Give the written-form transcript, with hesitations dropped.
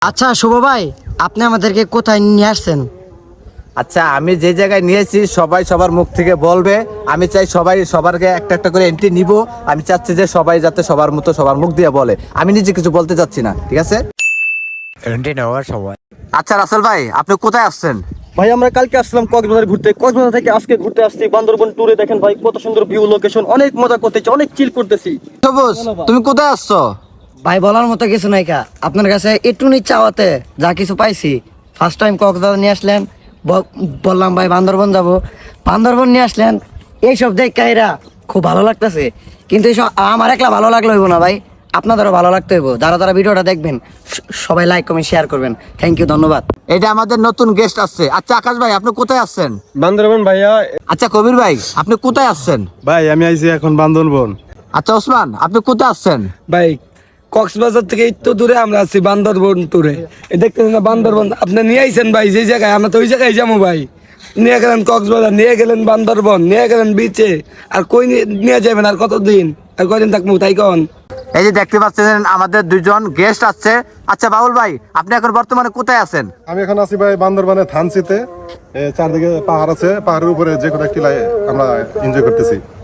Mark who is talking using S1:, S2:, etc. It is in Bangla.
S1: আচ্ছা শুভ ভাই, আপনি আমাদেরকে কোথায় নিয়ে আসছেন?
S2: আচ্ছা, আমি যে জায়গায় নিয়েছি সবাই সবার মুখ থেকে বলবে। আমি চাই সবাই সবারকে একটা একটা করে এন্ট্রি নিব। আমি চাচ্ছি যে সবাই যাতে সবার মতো সবার মুখ দিয়ে বলে। আমি নিজে কিছু বলতে চাচ্ছি না, ঠিক আছে?
S3: এন্ট্রি নেওয়ার সময়
S2: আচ্ছা রাসেল ভাই, আপনি কোথায় আসছেন?
S4: ভাই আমরা কালকে আসলাম কক্সবাজার ঘুরতে, কক্সবাজার থেকে আজকে ঘুরতে আসছি বান্দরবন ট্যুরে। দেখেন ভাই কত সুন্দর ভিউ, লোকেশন, অনেক মজা করতেছি, অনেক চিল করতেছি।
S2: সবুজ, তুমি কোথায় আসছো?
S1: ভাই বলার মতো কিছু নাই কা, আপনার কাছে একটু চাওয়াতে যা কিছু পাইছি। ফার্স্ট টাইম কক্সবাজার নিয়ে আসলেন, বললাম ভাই বান্দরবন যাব, বান্দরবন নিয়ে আসলেন। এইসব দেখে এরা খুব ভালো লাগতেছে, কিন্তু এইসব আমার একলা ভালো লাগলে হইব না ভাই, আপনাদেরও ভালো লাগতে হইব। যারা যারা ভিডিওটা দেখবেন সবাই লাইক কমেন্ট শেয়ার করবেন। থ্যাংক ইউ, ধন্যবাদ।
S2: এটা আমাদের নতুন গেস্ট আসছে। আচ্ছা আকাশ ভাই, আপনি কোথায় আসছেন?
S4: বান্দরবন ভাইয়া।
S2: আচ্ছা কবির ভাই, আপনি কোথায় আসছেন?
S4: ভাই আমি আইছি এখন বান্দরবন।
S2: আচ্ছা ওসমান, আপনি কোথায় আসছেন?
S5: ভাই কক্সবাজার থেকে একটু দূরে আমরা আছি বান্দরবন ট্যুরে। দেখতেছেন না বান্দরবন, আপনি নিয়ে আইছেন ভাই যে জায়গায়, আমরা তো ওই জায়গায় যাবো ভাই। নিয়ে গেলেন কক্সবাজার, নিয়ে গেলেন বান্দরবন, নিয়ে গেলেন বিচে। আর কই নিয়ে যাবেন? আর কতদিন, আর কয়দিন থাকবো তাই কন?
S2: এই যে দেখতে পাচ্ছেন আমাদের দুইজন গেস্ট আসছে। আচ্ছা বাবুল ভাই, আপনি এখন বর্তমানে কোথায় আছেন?
S6: আমি এখন আছি ভাই বান্দরবানের থানচিতে। চারদিকে পাহাড় আছে, পাহাড়ের উপরে যে কোনো একটি আমরা এনজয় করতেছি।